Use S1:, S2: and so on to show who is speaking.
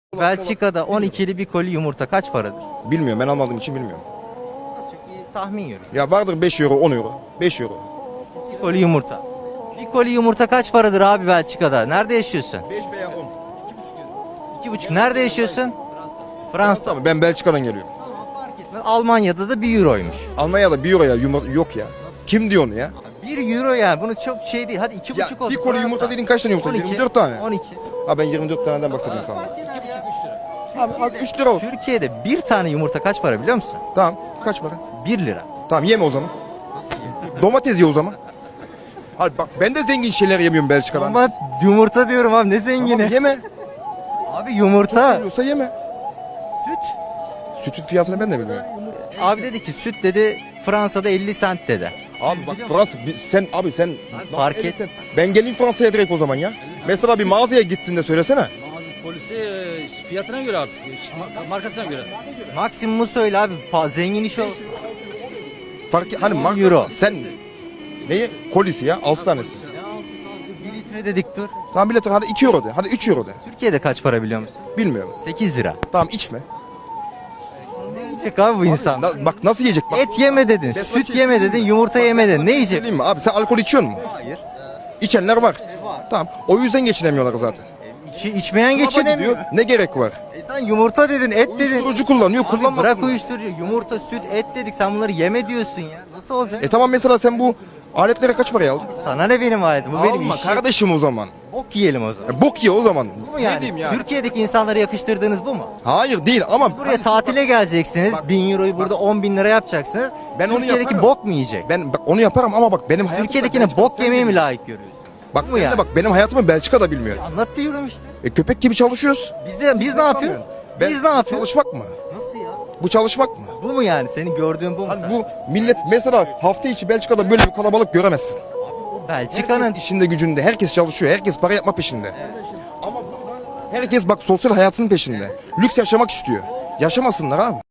S1: Belçika'da 12'li bir koli yumurta kaç paradır?
S2: Bilmiyorum, ben almadığım için bilmiyorum.
S1: Çok iyi tahmin yürü.
S2: Ya vardır 5 euro, 10 euro. 5 euro.
S1: Bir koli yumurta. Bir koli yumurta kaç paradır abi Belçika'da? Nerede yaşıyorsun?
S2: 5 veya 10.
S1: 2,5. Nerede yaşıyorsun? Fransa.
S2: Tamam, ben Belçika'dan geliyorum.
S1: Almanya'da da 1 euroymuş.
S2: Almanya'da 1 euroya yumurta yok ya. Kim diyor onu ya?
S1: 1 euro yani bunu çok şey değil. Hadi 2,5
S2: Ya
S1: olsun.
S2: bir koli yumurta dediğin kaç tane yumurta?
S1: 12,
S2: 24 tane.
S1: 12.
S2: Ha ben 24 taneden bahsediyorum sana.
S1: 2,5 3 lira.
S2: Abi hadi 3 lira olsun.
S1: Türkiye'de bir tane yumurta kaç para biliyor musun?
S2: Tamam, kaç para?
S1: 1 lira.
S2: Tamam, yeme o zaman. Domates ye o zaman. Hadi bak, ben de zengin şeyler yemiyorum Belçika'dan.
S1: Ama yumurta diyorum abi ne zengini.
S2: Tamam, yeme.
S1: Abi yumurta,
S2: Yiyorsa yeme.
S1: süt.
S2: Sütün fiyatını ben de bilmiyorum.
S1: Abi dedi ki süt dedi Fransa'da 50 cent dedi.
S2: Abi bak Fransa, sen
S1: Fark et.
S2: ben geleyim Fransa'ya direkt o zaman ya. Mesela bir mağazaya gittiğinde söylesene.
S3: Mağaza polisi fiyatına göre artık, markasına göre.
S1: Maksimumu söyle abi. Zengin iş olsun.
S2: Hani
S1: 10
S2: marka,
S1: euro.
S2: sen neyi? Kolisi ya 6 tanesi.
S1: Ne 6 saat 1 litre dedik dur.
S2: Tamam bilet hadi 2 euro de. Hadi 3 euro de.
S1: Türkiye'de kaç para biliyor musun?
S2: Bilmiyorum.
S1: 8 lira.
S2: Tamam içme.
S1: Ne yiyecek abi bu insan?
S2: Bak nasıl yiyecek bak.
S1: Et yeme dedin, süt yeme dedin, yumurta yeme dedin. Ne yiyecek?
S2: Söyleyeyim mi abi, sen alkol içiyor musun?
S1: Hayır.
S2: İçenler var. Tamam, o yüzden geçinemiyorlar zaten.
S1: İçmeyen geçinemiyor.
S2: Gidiyor, ne gerek var?
S1: Sen yumurta dedin, et dedin.
S2: Uyuşturucu kullanıyor,
S1: Abi
S2: kullanmasın.
S1: bırak uyuşturucu, yumurta, süt, et dedik. Sen bunları yeme diyorsun ya. Nasıl olacak?
S2: Tamam, mesela sen bu aletlere kaç paraya aldın?
S1: Sana ne benim aletim? Bu benim
S2: Alma
S1: işim.
S2: kardeşim o zaman.
S1: Bok yiyelim o zaman.
S2: Bok ye o zaman.
S1: Bu mu yani?
S2: Ne diyeyim yani?
S1: Türkiye'deki insanlara yakıştırdığınız bu mu?
S2: Hayır değil ama
S1: Buraya tatile geleceksiniz. 1000 euroyu burada 10 bin lira yapacaksınız.
S2: Ben onu
S1: Türkiye'deki
S2: yaparım.
S1: bok mu yiyecek?
S2: ben bak onu yaparım ama bak benim hayatım.
S1: Türkiye'dekine bok yemeye mi layık görüyorsun?
S2: Bak
S1: Bu mu
S2: sen de
S1: yani?
S2: bak benim hayatımı Belçika'da bilmiyor.
S1: Anlat diyorum işte.
S2: Köpek gibi çalışıyoruz.
S1: Biz ne yapıyoruz? Biz ne yapıyoruz?
S2: Çalışmak mı?
S1: Nasıl ya?
S2: Bu çalışmak mı?
S1: Bu mu yani? Senin gördüğün bu mu
S2: Hani
S1: sen?
S2: bu millet mesela hafta içi Belçika'da böyle bir kalabalık göremezsin.
S1: Belçika'nın
S2: Herkes işinde gücünde, herkes çalışıyor, herkes para yapma peşinde. Ama burada herkes bak sosyal hayatının peşinde. Lüks yaşamak istiyor. Yaşamasınlar abi.